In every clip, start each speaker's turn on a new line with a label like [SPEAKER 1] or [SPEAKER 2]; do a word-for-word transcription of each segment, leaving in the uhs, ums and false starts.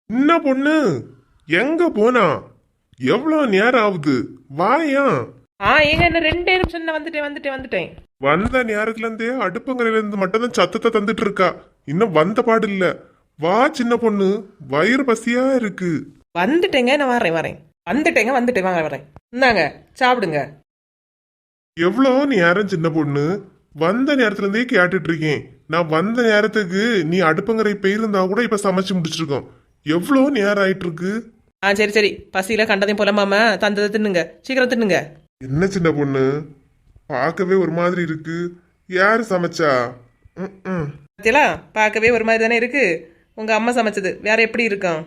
[SPEAKER 1] என்ன பொண்ணு, எங்க போனா? எவ்வளவு நேரம் ஆகுது? வாயா.
[SPEAKER 2] ஆ ஏங்க என்ன ரெண்டே நிமிஷம் நான் வந்துட்டேன் வந்துட்டேன் வந்துட்டேன்.
[SPEAKER 1] வந்த நேரத்துல இருந்தே அடுப்பங்கரையில இருந்து மட்டும் தான் சத்தத்தை தந்துட்டு இருக்கா. இன்னும் வந்த பாடு இல்ல. வா சின்ன பொண்ணு, வயிறு பசியா இருக்கு.
[SPEAKER 2] வந்துட்டேங்க, நான் வரேன் வரேன் வந்துட்டேங்க வந்துட்டேன் வாங்க வரேன். இந்தாங்க சாப்பிடுங்க.
[SPEAKER 1] எவ்வளோ நேரம் சின்ன பொண்ணு, வந்த நேரத்துல இருந்தே கேட்டுட்டு இருக்கேன். நான் வந்த நேரத்துக்கு நீ அடுப்பங்கரை போயிருந்தா கூட இப்ப சமைச்சு முடிச்சிருக்கோம். எவ்வளோ நேரம் ஆயிட்டு இருக்கு.
[SPEAKER 2] ஆ சரி சரி, பசியில கண்டதையும் போலாமாம, தந்ததை தின்னுங்க, சீக்கிரம் தின்னுங்க.
[SPEAKER 1] என்ன சின்ன பொண்ணு, பார்க்கவே ஒரு மாதிரி இருக்கு. யாரு சமைச்சா? ம்
[SPEAKER 2] பத்தியலா பார்க்கவே ஒரு மாதிரி தானே இருக்கு. உங்க அம்மா சமைச்சது வேற எப்படி இருக்கும்?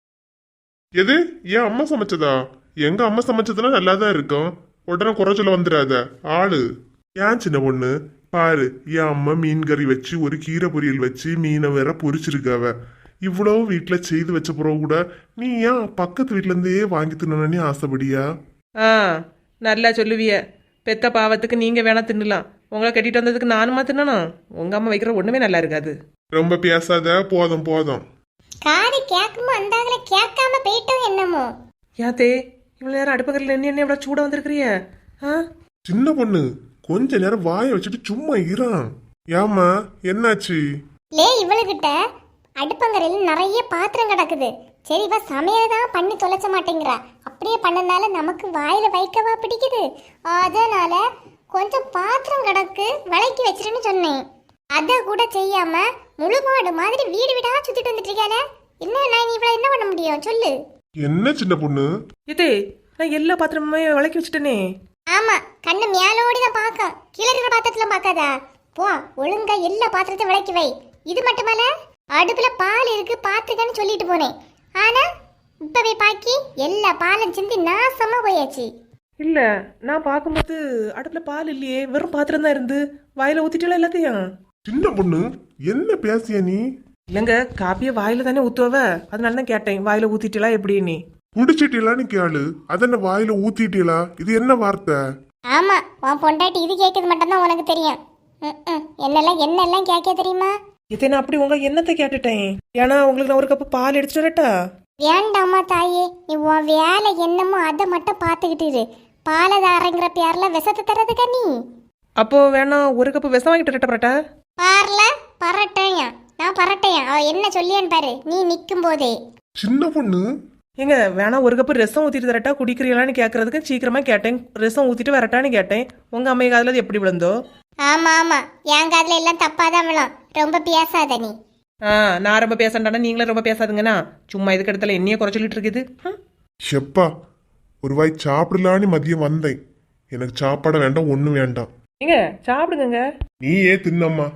[SPEAKER 1] எது, என் அம்மா சமைச்சதா? எங்க அம்மா சமைச்சதுன்னா நல்லா தான் இருக்கும். உடனே குறைச்சல வந்துடாத ஆளு. ஏன் சின்ன பொண்ணு, பாரு, என் அம்மா மீன் கறி வச்சு ஒரு கீரை பொரியல் வச்சு மீனை வேற பொரிச்சிருக்காவ. இவ்வளவு வீட்டுல செய்து வச்ச பிறகு கூட நீ ஏன் பக்கத்து வீட்டுல இருந்தே வாங்கி தின்னு ஆசைப்படியா?
[SPEAKER 2] ஆ நல்லா சொல்லுவிய. பெத்த பாவத்துக்கு நீங்க வேணா தின்னலாம், உங்களை கட்டிட்டு வந்ததுக்கு நானுமா தின்னணும்? உங்க அம்மா வைக்கிற ஒண்ணுமே நல்லா இருக்காது.
[SPEAKER 1] ரொம்ப பேசாத, போதும் போதும்.
[SPEAKER 3] காது கேட்குமோ அந்தாங்கள கேட்காம போயிட்டோம் என்னமோ.
[SPEAKER 2] யாத்தே இவ்வளவு நேரம் அடுப்பகரில் என்ன என்ன இவ்வளவு சூட வந்திருக்கிறிய? ஆ
[SPEAKER 1] சின்ன பொண்ணு, கொஞ்ச நேரம் வாயை வச்சுட்டு சும்மா இறான். ஏமா என்னாச்சு?
[SPEAKER 3] லே இவளுகிட்ட அடுப்பங்கரையில் நிறைய பாத்திரம் கிடக்குது. சரி இவ சமையல் தான் பண்ணி தொலைச்ச மாட்டேங்கிறா. அப்படியே பண்ணனால நமக்கு வாயில வைக்கவா பிடிக்குது. அதனால கொஞ்சம் பாத்திரம் கிடக்கு விலைக்கு வச்சிருன்னு சொன்னேன். அதை கூட செய்யாம முழுமாடு மாதிரி வீடு வீடா சுத்திட்டு வந்துட்டு இருக்கானே. என்ன நான் இவ்வளவு என்ன பண்ண முடியும் சொல்லு.
[SPEAKER 1] என்ன சின்ன பொண்ணு?
[SPEAKER 2] இதே நான் எல்லா பாத்திரமுமே விளக்கி வச்சுட்டேனே.
[SPEAKER 3] ஆமா, கண்ணு மேலோடி தான் பாக்க, கீழே இருக்கிற பாத்திரத்துல பாக்காதா. போ ஒழுங்கா எல்லா பாத்திரத்தையும் விளக்கி வை. இது மட்டுமல்ல, அடுப்புல பால் இருக்கு பாத்துக்கன்னு சொல்லிட்டு போனேன். ஆனா இப்பவே பாக்கி எல்லா பாலும் சிந்தி நாசமா போயாச்சு.
[SPEAKER 2] இல்ல நான் பார்க்கும்போது அடுப்புல பால் இல்லையே, வெறும் பாத்திரம் தான் இருந்து. வாயில ஊத்திட்டல எல்லாத்தையும்.
[SPEAKER 1] சின்ன பொண்ணு, என்ன பேசிய நீ?
[SPEAKER 2] இல்லங்க, காப்பிய வாயில தானே ஊத்துவ, அதனால தான் கேட்டேன். வாயில ஊத்திட்டா எப்படி? நீ
[SPEAKER 1] குடிச்சிட்டீலான்னு கேளு, அதென்ன வாயில ஊத்திட்டீலா? இது என்ன வார்த்தை?
[SPEAKER 3] ஆமா, உன் பொண்டாட்டி இது கேட்கறது மட்டும்தான் உனக்கு தெரியும். என்னெல்லாம் என்னெல்லாம் கேட்க தெரியுமா?
[SPEAKER 2] இதை நான் அப்படி உங்க என்னத்தை கேட்டுட்டேன். ஏன்னா உங்களுக்கு நான் ஒரு கப்பு பால் எடுத்துட்டு வரட்டா?
[SPEAKER 3] வேண்டாமா தாயே, நீ உன் வேலை என்னமோ அதை மட்டும் பார்த்துக்கிட்டு இரு. பாலதாரங்கிற பேர்ல விஷத்தை தரதுக்கா நீ?
[SPEAKER 2] அப்போ வேணா ஒரு கப்பு விஷம் வாங்கிட்டு வரட்டா? பரட்டா
[SPEAKER 3] பார்ல பரட்டையா? நான் பரட்டையா? அவ என்ன சொல்லியான்னு பாரு நீ நிக்கும் போதே.
[SPEAKER 1] சின்ன பொண்ணு,
[SPEAKER 2] ஏங்க வேணா ஒரு கப்பு ரசம் ஊத்திட்டு தரட்டா, குடிக்கிறீங்களான்னு கேட்கறதுக்கு சீக்கிரமா கேட்டேன். ரசம் ஊத்திட்டு வரட்டான்னு கேட்டேன். உங்க அம்மை காதுல அது எப்படி விழுந்தோ?
[SPEAKER 3] ஆமா ஆமா, என் காதுல எல்லாம் தப்பாதான் விழும். ரொம்ப பேசாத நீ.
[SPEAKER 2] ஆ நான் ரொம்ப பேசண்டானா நீங்களும் ரொம்ப பேசாதுங்கண்ணா. சும்மா இதுக்கு இடத்துல என்னையே குறை சொல்லிட்டு இருக்குது.
[SPEAKER 1] ஷெப்பா, ஒரு வாய் சாப்பிடலான்னு மதியம் வந்தேன். எனக்கு சாப்பாட வேண்டாம், ஒண்ணும் வேண்டாம்.
[SPEAKER 2] ஏங்க சாப்பிடுங்க.
[SPEAKER 1] நீ ஏன் தின்னம்மா?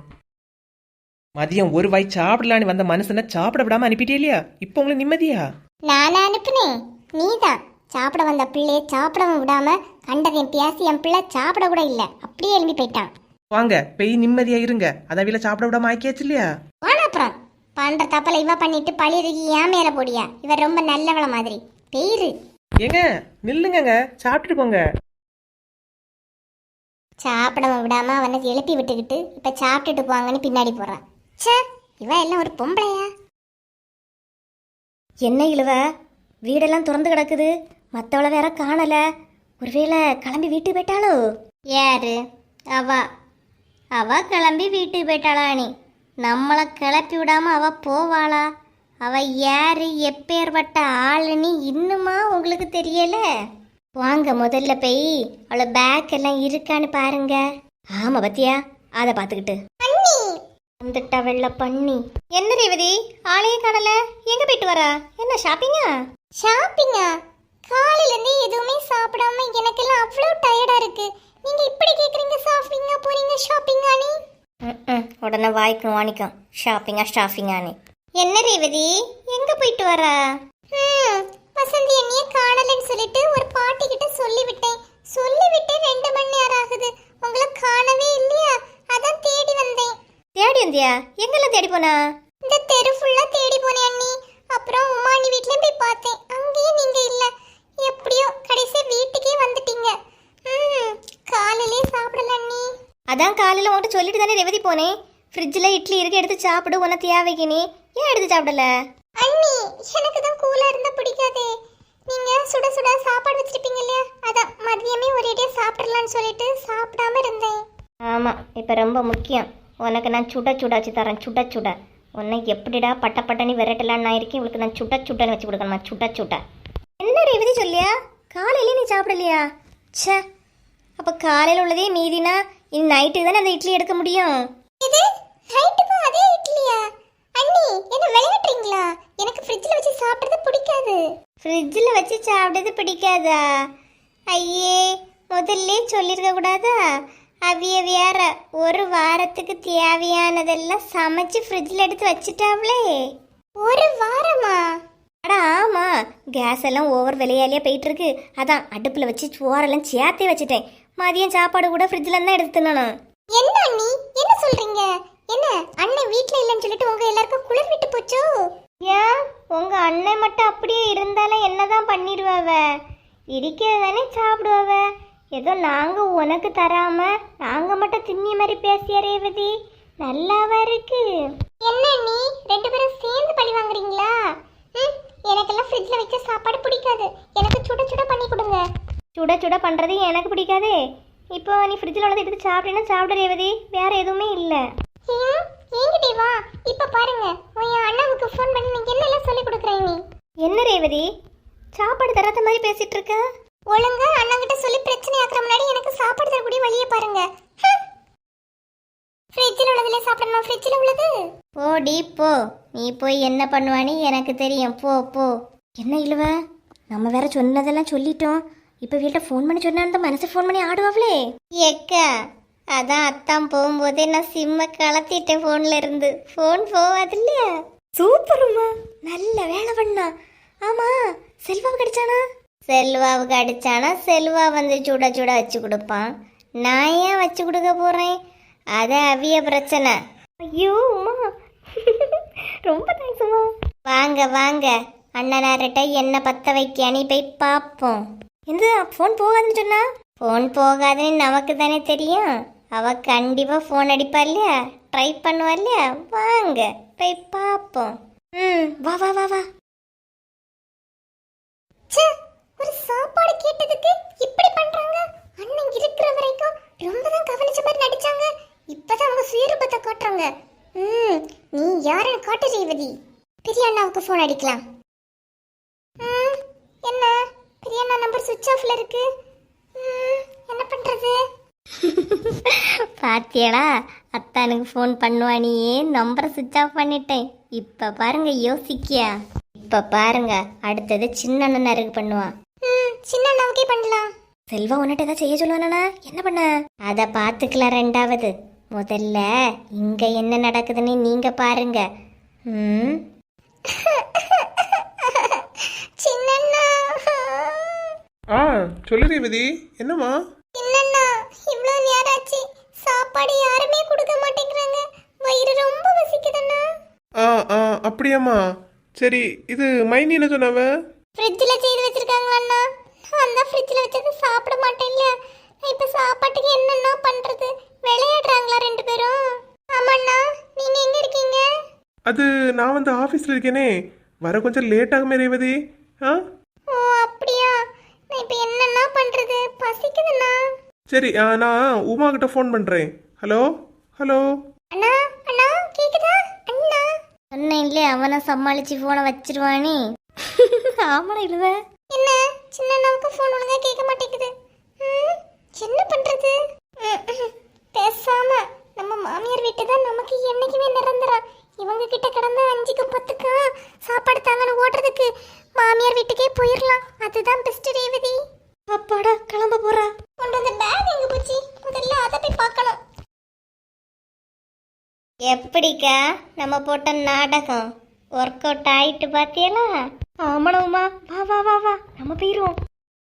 [SPEAKER 2] மதியம் ஒரு வாய் சாப்பிடலான்னு வந்த மனுஷனை சாப்பிட விடாம அனுப்பிட்டே இல்லையா? இப்போ உங்களுக்கு நிம்மதியா?
[SPEAKER 3] நானா அனுப்புனேன்? நீதான் சாப்பிட வந்த பிள்ளைய சாப்பிடவும் விடாம கண்டதையும் பேசி என் பிள்ளை சாப்பிட கூட இல்ல, அப்படியே எழுப்பி போயிட்டான்.
[SPEAKER 2] வாங்க பெய் நிம்மதியா இருங்க. அதான் வீல சாப்பிட விடாம ஆக்கியாச்சு இல்லையா?
[SPEAKER 3] வானா அப்புறம் பண்ற தப்பல இவ பண்ணிட்டு பழியதுக்கு ஏன் மேல போடியா? இவ ரொம்ப நல்லவள மாதிரி பெயிரு.
[SPEAKER 2] ஏங்க நில்லுங்க, சாப்பிட்டுட்டு போங்க.
[SPEAKER 3] சாப்பிட விடாம அவனை எழுப்பி விட்டுக்கிட்டு இப்ப சாப்பிட்டுட்டு போவாங்கன்னு பின்னாடி போறான். ச்சே, இவ எல்லாம் ஒரு பொம்பளையா?
[SPEAKER 4] என்ன இழுவ, வீடெல்லாம் திறந்து கிடக்குது, மற்றவளை வேற காணல. ஒருவேளை கிளம்பி வீட்டுக்கு போயிட்டாளோ?
[SPEAKER 3] யாரு? அவ அவ கிளம்பி வீட்டுக்கு போயிட்டாளா? நீ நம்மளை கிளப்பி விடாம அவ போவாளா? அவ யாரு, எப்பேற்பட்ட ஆளுன்னு இன்னுமா உங்களுக்கு தெரியல? வாங்க முதல்ல போய் அவளை பேக் எல்லாம் இருக்கான்னு பாருங்க.
[SPEAKER 4] ஆமா பத்தியா, அதை பார்த்துக்கிட்டு வந்துட்டா வெள்ள பண்ணி. என்ன ரேவதி, ஆளையே காணல, எங்க போயிட்டு வரா? என்ன ஷாப்பிங்கா?
[SPEAKER 3] ஷாப்பிங்கா? காலையில இருந்து எதுவுமே சாப்பிடாம எனக்கெல்லாம் அவ்வளவு டயர்டா இருக்கு. நீங்க இப்படி கேக்குறீங்க, ஷாப்பிங்கா போறீங்க ஷாப்பிங்கா? நீ
[SPEAKER 4] உடனே வாய்க்கும் வாணிக்கும் ஷாப்பிங்கா ஷாப்பிங்கானே.
[SPEAKER 3] என்ன ரேவதி, எங்க போயிட்டு வரா? வசந்தி என்னைய காணலன்னு சொல்லிட்டு ஒரு பாட்டி கிட்ட சொல்லிவிட்டேன். சொல்லிவிட்டு ரெண்டு மணி நேரம் ஆகுது, உங்களை காணவே இல்லையா? அதான் தேடி வந்தேன்.
[SPEAKER 4] தேடி வந்தியா? எங்கெல்லாம் தேடி போனா?
[SPEAKER 3] இந்த தெரு ஃபுல்லா தேடி போனேன் அண்ணி. அப்புறம் உமானி வீட்லயும் போய் பார்த்தேன், அங்கேயும் நீங்க இல்ல. எப்படியோ கடைசியா வீட்டுக்கே வந்துட்டீங்க. ம் காலையிலே சாப்பிடல அண்ணி.
[SPEAKER 4] அதான் காலையில் உங்கள்கிட்ட சொல்லிட்டு தானே ரேவதி போனேன். ஃப்ரிட்ஜில் இட்லி இருக்கு, எடுத்து சாப்பிடு, உன தேவைக்கு. நீ ஏன் எடுத்து சாப்பிடல?
[SPEAKER 3] அண்ணி எனக்கு தான் கூலா இருந்தா பிடிக்காதே. நீங்க சுட சுட சாப்பாடு வச்சிருப்பீங்க இல்லையா, அதான் மதியமே ஒரேடியா சாப்பிடலாம்னு சொல்லிட்டு சாப்பிடாம இருந்தேன்.
[SPEAKER 4] ஆமாம், இப்போ ரொம்ப முக்கியம். உனக்கு நான் சுட சுட வச்சு தரேன், சுட சுட. உன்னை எப்படிடா பட்ட பட்டனி விரட்டலான்னு நான் இருக்கேன். இவளுக்கு நான் சுட சுடன்னு வச்சு கொடுக்கணுமா, சுட சுட. என்ன ரேவதி சொல்லியா, காலையிலே நீ சாப்பிடலையா? ச்சே, அப்போ காலையில் உள்ளதே மீதினா இனி நைட்டுக்கு தானே அந்த இட்லி எடுக்க முடியும்.
[SPEAKER 3] இது நைட்டுக்கு அதே இட்லியா? அண்ணி என்ன விளையாடுறீங்களா? எனக்கு ஃப்ரிட்ஜ்ல வச்சு சாப்பிடுறது பிடிக்காது.
[SPEAKER 4] ஃப்ரிட்ஜில் வச்சு சாப்பிட்டது பிடிக்காதா? ஐயே, முதல்ல சொல்லியிருக்க கூடாதா? அவிய வேற ஒரு வாரத்துக்கு தேவையானதெல்லாம் சமைச்சு ஃப்ரிட்ஜில் எடுத்து வச்சுட்டாவளே.
[SPEAKER 3] ஒரு வாரமா?
[SPEAKER 4] அடா ஆமா, கேஸ் எல்லாம் ஓவர் விலையாலியா போயிட்டு இருக்கு. அதான் அடுப்பில் வச்சு சோறெல்லாம் சேர்த்தே வச்சுட்டேன். மதியம் சாப்பாடு கூட ஃப்ரிட்ஜில் தான் எடுத்து தின்னணும்.
[SPEAKER 3] என்ன அண்ணி என்ன சொல்றீங்க? என்ன அண்ணன் வீட்ல இல்லைன்னு சொல்லிட்டு உங்க எல்லாருக்கும் குளிர் விட்டு போச்சோ?
[SPEAKER 4] ஏன் உங்க அண்ணன் மட்டும் அப்படியே இருந்தாலும் என்னதான் பண்ணிடுவாவ? இருக்கிறது தானே சாப்பிடுவாவ. ஏதோ நாங்க உனக்கு தராம நாங்க மட்டும் திண்ணி மாதிரி பேசிய ரேவதி, நல்லாவா இருக்கு?
[SPEAKER 3] என்ன அண்ணி ரெண்டு பேரும் சேர்ந்து பழி வாங்குறீங்களா? ம், எனக்கெல்லாம் ஃப்ரிட்ஜ்ல வச்ச சாப்பாடு பிடிக்காது. எனக்கு சுட சுட பண்ணி கொடுங்க.
[SPEAKER 4] சுட சுட பண்றது எனக்கு பிடிக்காதே. இப்போ நீ ஃப்ரிட்ஜில் உள்ளதை எடுத்து சாப்பிட்டேன்னா சாப்பிட ரேவதி, வேற எதுவுமே இல்லை.
[SPEAKER 3] ஏன் என்கிட்ட வா. இப்ப பாருங்க, உன் அண்ணாவுக்கு ஃபோன் பண்ணி நீங்க என்னெல்லாம் சொல்லி கொடுக்குறேன். நீ
[SPEAKER 4] என்ன ரேவதி சாப்பாடு தராத மாதிரி பேசிட்டு இருக்க?
[SPEAKER 3] ஒழுங்கா அண்ணா கிட்ட சொல்லி பிரச்சனை ஆக்குற முன்னாடி எனக்கு சாப்பாடு தரக்கூடிய வழியை பாருங்க. ஃப்ரிட்ஜில் உள்ளதுல சாப்பிடணும், ஃப்ரிட்ஜில் உள்ளது.
[SPEAKER 4] போடி போ, நீ போய் என்ன பண்ணுவான்னு எனக்கு தெரியும், போ போ. என்ன இழுவ, நம்ம வேற சொன்னதெல்லாம் சொல்லிட்டோம். இப்போ வீட்டில் ஃபோன் பண்ணி சொன்னா அந்த மனசு ஃபோன் பண்ணி ஆடுவாங்களே. ஏக்கா, அதான் அத்தான் போகும்போதே நான் சிம்மை கலத்திட்டேன் ஃபோன்ல இருந்து. ஃபோன் போவாது இல்லையா? சூப்பருமா, நல்ல வேலை பண்ணா. ஆமா, செல்வாவுக்கு அடிச்சானா? செல்வாவுக்கு அடிச்சானா செல்வா வந்து சுட சுட வச்சு கொடுப்பான். நான் ஏன் வச்சு கொடுக்க போறேன்? அது அவிய பிரச்சனை. ஐயோ உமா, ரொம்ப தேங்க்ஸ் உமா. வாங்க வாங்க, அண்ணனார்கிட்ட என்ன பத்த வைக்கானி போய் பார்ப்போம். எந்த ஃபோன் போகாதுன்னு சொன்னா? ஃபோன் போகாதுன்னு நமக்கு தானே தெரியும். அவ கண்டிப்பா ஃபோன் அடிப்பா இல்லையா, ட்ரை பண்ணுவா இல்லையா? வாங்க போய் பார்ப்போம். ம், வா வா வா வா.
[SPEAKER 3] ச்சே, ஒரு சாப்பாடு கேட்டதுக்கு இப்படி பண்றாங்க. அண்ணன் இருக்கிற வரைக்கும் ரொம்ப தான் கவனிச்ச மாதிரி நடிச்சாங்க. இப்பதான் அவங்க சுயரூபத்தை காட்டுறாங்க. ம், நீ யாருன்னு காட்டு ரேவதி. பெரிய அண்ணாவுக்கு ஃபோன் அடிக்கலாம். ம், என்ன பெரிய அண்ணா நம்பர் சுவிட்ச் ஆஃப்ல இருக்கு. ம், என்ன பண்றது?
[SPEAKER 4] பாத்தியடா, அத்தானுக்கு ஃபோன் பண்ணுவானியே நம்பரை சுவிட்ச் ஆஃப் பண்ணிட்டேன். இப்ப பாருங்க யோசிக்கியா. இப்ப பாருங்க அடுத்தது சின்ன அண்ணனாருக்கு பண்ணுவான்.
[SPEAKER 3] ம், சின்ன அண்ணாவுக்கே பண்ணலாம்.
[SPEAKER 4] செல்வா உன்னிட்ட ஏதாவது செய்ய சொல்லுவானா? என்ன பண்ண? அதை பார்த்துக்கலாம் ரெண்டாவது. முதல்ல இங்க என்ன நடக்குதுன்னு நீங்க பாருங்க. ம்,
[SPEAKER 3] சின்னண்ணா,
[SPEAKER 1] ஆ சொல்லு ரேவதி, என்னம்மா?
[SPEAKER 3] சின்னண்ணா, இவ்வளோ நேரம் ஆச்சு, சாப்பாடு யாருமே கொடுக்க மாட்டேங்கிறாங்க. வயிறு ரொம்ப வசிக்குதுண்ணா.
[SPEAKER 1] ஆ ஆ அப்படியாம்மா, சரி. இது மைனி என்ன சொன்னாவ?
[SPEAKER 3] ஃப்ரிட்ஜில் செய்து வச்சிருக்காங்களா? நான் தான் ஃப்ரிட்ஜில் வச்சது சாப்பிட மாட்டேன் இல்லையா? நான் இப்போ சாப்பாட்டுக்கு என்னென்ன பண்ணுறது? விளையாடுறாங்களா ரெண்டு பேரும்? ஆமாண்ணா, நீங்கள் எங்கே இருக்கீங்க?
[SPEAKER 1] அது நான் வந்து ஆஃபீஸில் இருக்கேனே, வர கொஞ்சம் லேட் ஆகுமே ரேவதி. ஆ
[SPEAKER 3] ஓ அப்படியா? நான் இப்போ என்னென்ன பண்ணுறது? பசிக்குதுண்ணா.
[SPEAKER 1] சரி, ஆ, நான் உமா கிட்ட ஃபோன் பண்ணுறேன். Hello hello.
[SPEAKER 3] அண்ணா அண்ணா கேக்குதா? அண்ணா
[SPEAKER 4] சொன்னேன் இல்லையே அவனை சமாளிச்சு போனை வச்சிருவானே. ஆமாடா இழுவ.
[SPEAKER 3] என்ன சின்ன அண்ணாவுக்கு ஃபோன் ஒழுங்கா கேட்க மாட்டேங்குது. ம், என்ன பண்றது? ம், ம். பேசாம நம்ம மாமியார் வீட்டு தான் நமக்கு என்னைக்குமே நிரந்தரம். இவங்க கிட்ட கிடந்த அஞ்சுக்கும் பத்துக்கும் சாப்பாடு தாங்கன்னு ஓடுறதுக்கு மாமியார் வீட்டுக்கே போயிடலாம். அதுதான் பெஸ்ட் ரேவதி.
[SPEAKER 4] அப்பாடா கிளம்ப போறா.
[SPEAKER 3] கொண்டு வந்த பேக் எங்க போச்சு? முதல்ல அதை போய் பார்க்கணும்.
[SPEAKER 4] எப்படிக்கா நம்ம போட்ட நாடகம் ஒர்க் அவுட் ஆயிட்டு பாத்தியலா? ஆமாடா வா வா வா வா நம்ம போயிருவோம்.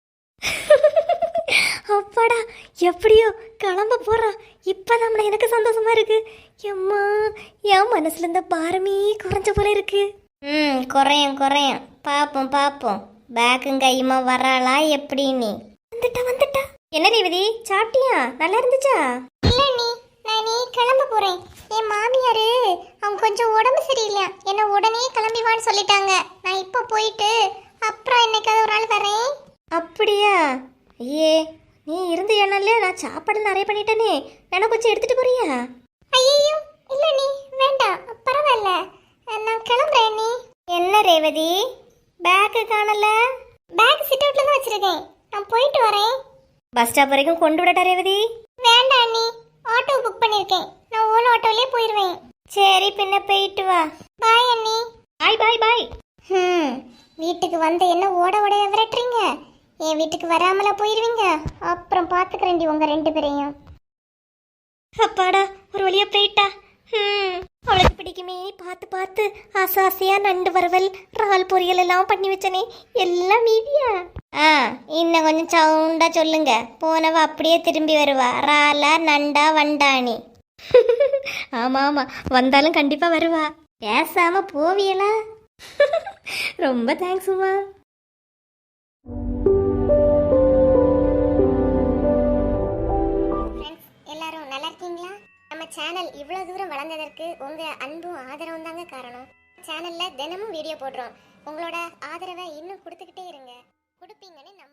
[SPEAKER 4] அப்பாடா எப்படியோ கிளம்ப போறான். இப்பதான் எனக்கு சந்தோஷமா இருக்கு. எம்மா, என் மனசுல இருந்த பாரமே குறைஞ்ச போல இருக்கு. ம், குறையும் குறையும், பாப்போம் பாப்போம். பேக்கும் கையுமா வராளா எப்படின்னு. வந்துட்டா வந்துட்டா. என்ன ரேவதி சாப்பிட்டியா? நல்லா இருந்துச்சா?
[SPEAKER 3] இல்ல நீ, நான் நீ கிளம்ப போறேன். என் மாமியாரு அவங்க கொஞ்சம் உடம்பு சரியில்லை, என்ன உடனே கிளம்பி வான்னு சொல்லிட்டாங்க. நான் இப்போ போயிட்டு அப்புறம் என்னைக்காவது ஒரு நாள் வரேன்.
[SPEAKER 4] அப்படியா? ஐயே, நீ இருந்து ஏனாலே நான் சாப்பாடு நிறைய பண்ணிட்டேனே, எனக்கு கொஞ்சம் எடுத்துட்டு போறியா?
[SPEAKER 3] ஐயோ இல்ல நீ வேண்டாம், பரவாயில்ல, நான் கிளம்புறேன். நீ
[SPEAKER 4] என்ன ரேவதி, பேக்கு காணல?
[SPEAKER 3] பேக் சிட் அவுட்ல தான் வச்சிருக்கேன், நான் போயிட்டு வரேன்.
[SPEAKER 4] பஸ் ஸ்டாப் வரைக்கும் கொண்டு விடட்டா ரேவதி?
[SPEAKER 3] வேண்டாம் நீ, ஆட்டோ புக் பண்ணிருக்கேன், நான் ஓன் ஆட்டோலயே போயிருவேன்.
[SPEAKER 4] சரி, பின்ன போயிட்டு வா.
[SPEAKER 3] பாய் அண்ணி.
[SPEAKER 4] பாய் பாய் பாய்.
[SPEAKER 3] ஹம் வீட்டுக்கு வந்து என்ன ஓட ஓட விரட்டுறீங்க? என் வீட்டுக்கு வராமல போயிருவீங்க, அப்புறம் பாத்துக்கிறேன்டி உங்க ரெண்டு பேரையும்.
[SPEAKER 4] அப்பாடா, ஒரு வழியா போயிட்டா. ம் அவளுக்கு பிடிக்குமே பார்த்து பார்த்து ஆசை ஆசையா நண்டு வறுவல் இறால் பொரியல் எல்லாம் பண்ணி வச்சனே, எல்லாம் மீதியா? ஆ, இன்னும் கொஞ்சம் சவுண்டா சொல்லுங்க, போனவ அப்படியே திரும்பி வருவா. இறாலா நண்டா வண்டானி? ஆமா ஆமா, வந்தாலும் கண்டிப்பா வருவா. பேசாம போவியலா? ரொம்ப தேங்க்ஸ் உமா.
[SPEAKER 3] எல்லாரும் நல்லா இருக்கீங்களா? நம்ம சேனல் இவ்வளவு தூரம் வளர்ந்ததற்கு உங்க அன்பும் ஆதரவும் தாங்க காரணம். சேனல்ல தினமும் வீடியோ போடுறோம். உங்களோட ஆதரவை இன்னும் கொடுத்துக்கிட்டே இருங்க. கொடுப்பீங்கன்னு நம்ப